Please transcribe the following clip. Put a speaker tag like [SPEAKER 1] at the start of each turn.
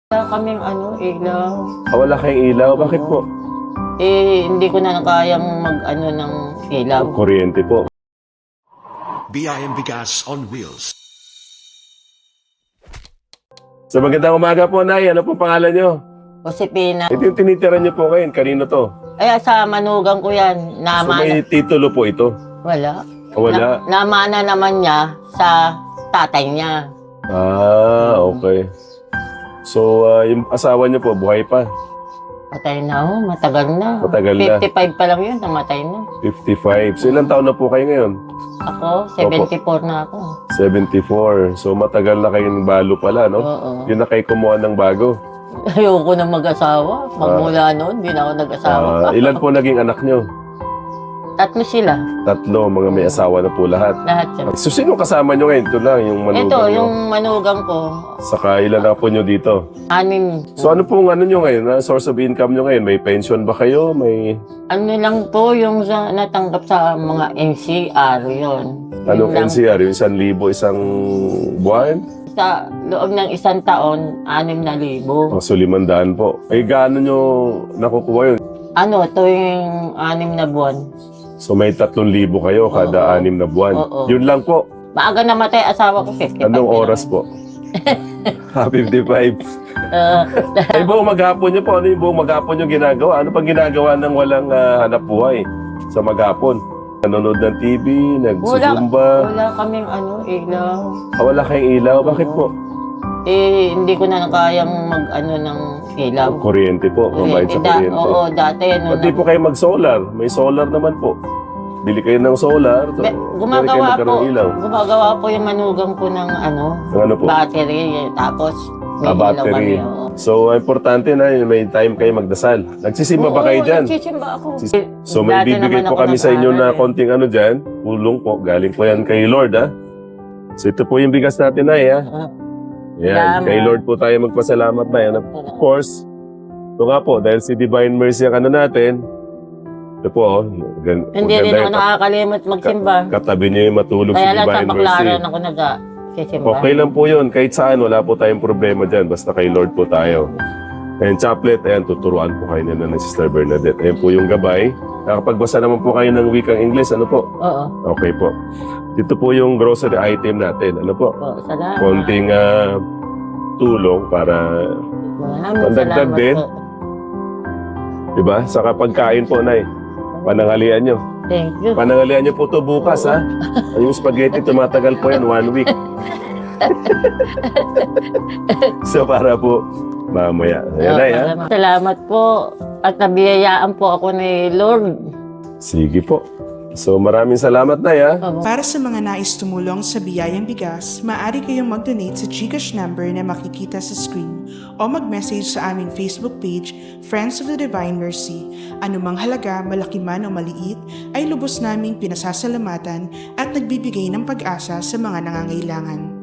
[SPEAKER 1] Wala kaming ilaw.
[SPEAKER 2] Wala kayong ilaw? Bakit po?
[SPEAKER 1] Hindi ko na kayang ng ilaw.
[SPEAKER 2] Kuryente po.
[SPEAKER 3] BIM Bigas on Wheels.
[SPEAKER 2] So magandang umaga po, Nay. Ano po pangalan nyo?
[SPEAKER 1] Josepina.
[SPEAKER 2] Ito yung tinitira nyo po ngayon. Kanino to?
[SPEAKER 1] Ay, sa manugang ko yan.
[SPEAKER 2] So may titulo po ito?
[SPEAKER 1] Wala.
[SPEAKER 2] Wala.
[SPEAKER 1] Namana naman niya sa tatay niya.
[SPEAKER 2] Okay. So, yung asawa niyo po, buhay pa?
[SPEAKER 1] Patay na ho, matagal na.
[SPEAKER 2] Matagal na.
[SPEAKER 1] 55 pa lang yun, namatay na.
[SPEAKER 2] 55. So, ilang taon na po kayo ngayon?
[SPEAKER 1] Ako, 74 na ako.
[SPEAKER 2] 74. So, matagal na kayong balo pala, no?
[SPEAKER 1] Oo.
[SPEAKER 2] Yun na kayo kumuha ng bago.
[SPEAKER 1] Ayoko na mag-asawa. Magmula noon, hindi na ako nag-asawa pa.
[SPEAKER 2] Ilan po naging anak nyo?
[SPEAKER 1] Tatlo sila.
[SPEAKER 2] Tatlo, mga may asawa na po lahat.
[SPEAKER 1] Lahat sila.
[SPEAKER 2] So, sino kasama nyo ngayon? Ito lang, yung manugang
[SPEAKER 1] Ito,
[SPEAKER 2] nyo.
[SPEAKER 1] yung manugang ko.
[SPEAKER 2] Saka ilan na po nyo dito?
[SPEAKER 1] 6.
[SPEAKER 2] So, ano pong nyo ngayon? Source of income nyo ngayon? May pension ba kayo? May...
[SPEAKER 1] Ano lang po yung natanggap sa mga NCR yun.
[SPEAKER 2] Anong
[SPEAKER 1] Yun lang.
[SPEAKER 2] NCR? Yung 1,000 isang buwan?
[SPEAKER 1] Sa loob ng isang taon, 6,000.
[SPEAKER 2] So, 500 po. Eh, gaano nyo nakukuha yun?
[SPEAKER 1] Ito yung 6 na buwan.
[SPEAKER 2] So, may 3,000 kayo kada 6 na buwan.
[SPEAKER 1] Oo.
[SPEAKER 2] Yun lang po.
[SPEAKER 1] Maaga namatay asawa ko, 55.
[SPEAKER 2] Anong oras po? 55. Eh, buong maghapon nyo po. Ano yung buong maghapon nyo ginagawa? Ano pang ginagawa ng walang hanap buhay sa maghapon? Nanonood ng TV, nagsusumba.
[SPEAKER 1] Wala kaming ilaw.
[SPEAKER 2] Wala kayong ilaw? Bakit po?
[SPEAKER 1] Hindi ko na kayang ng ilaw.
[SPEAKER 2] Kuryente po. Mabayad sa kuryente.
[SPEAKER 1] Oo, dati.
[SPEAKER 2] Pati po kayo mag-solar. May solar naman po. Bili kayo ng solar. So,
[SPEAKER 1] Gumagawa
[SPEAKER 2] kayo
[SPEAKER 1] po.
[SPEAKER 2] magkaroon ng ilaw.
[SPEAKER 1] Gumagawa po yung manugang ko ng
[SPEAKER 2] Ano po?
[SPEAKER 1] battery. Tapos, may ilaw
[SPEAKER 2] Battery.
[SPEAKER 1] kami. Oo.
[SPEAKER 2] So, importante na yun, may time kayo magdasal. Nagsisimba ba kayo dyan?
[SPEAKER 1] Nagsisimba ako.
[SPEAKER 2] So, may
[SPEAKER 1] Dati
[SPEAKER 2] bibigay
[SPEAKER 1] naman
[SPEAKER 2] po
[SPEAKER 1] ako
[SPEAKER 2] kami sa inyo na
[SPEAKER 1] nag-aaral eh.
[SPEAKER 2] konting dyan. Tulong po. Galing po yan kay Lord, ha? So, ito po yung bigas natin, Nay, ha? Yan.
[SPEAKER 1] Salamat.
[SPEAKER 2] Kay Lord po tayo magpasalamat, Nay. And of course, ito nga po, dahil si Divine Mercy ang natin, ito po,
[SPEAKER 1] Hindi rin ako nakakalimot magsimba.
[SPEAKER 2] katabi niyo yung matulog si
[SPEAKER 1] Kaya lang sa
[SPEAKER 2] Divine Mercy.
[SPEAKER 1] baklaran ako nag-sisimba.
[SPEAKER 2] Okay lang po yun. Kahit saan, wala po tayong problema dyan. Basta kay Lord po tayo. Ayan, chaplet. Ayan, tuturuan po kayo nila ng Sister Bernadette. Ayan po yung gabay. Nakapagbasa naman po kayo ng wikang English. Ano po?
[SPEAKER 1] Oo.
[SPEAKER 2] Okay po. Dito po yung grocery item natin. Ano po?
[SPEAKER 1] Oo, salamat.
[SPEAKER 2] Konting tulong para,
[SPEAKER 1] Maraming
[SPEAKER 2] pandagdag
[SPEAKER 1] salamat
[SPEAKER 2] din.
[SPEAKER 1] po.
[SPEAKER 2] diba? Saka pagkain po, Nay. Panangalian nyo.
[SPEAKER 1] Thank you.
[SPEAKER 2] Panangalian nyo po to bukas, ha? Yung spaghetti, tumatagal po yan 1 week. So, para po mamaya. Ayan, Nay, ha?
[SPEAKER 1] Salamat po. At nabiyayaan po ako ni Lord.
[SPEAKER 2] Sige po. So, maraming salamat, Nay, ha?
[SPEAKER 4] Para sa mga nais tumulong sa Biyayang Bigas, maaari kayong mag-donate sa GCash number na makikita sa screen o mag-message sa aming Facebook page, Friends of the Divine Mercy. Anumang halaga, malaki man o maliit, ay lubos naming pinasasalamatan at nagbibigay ng pag-asa sa mga nangangailangan.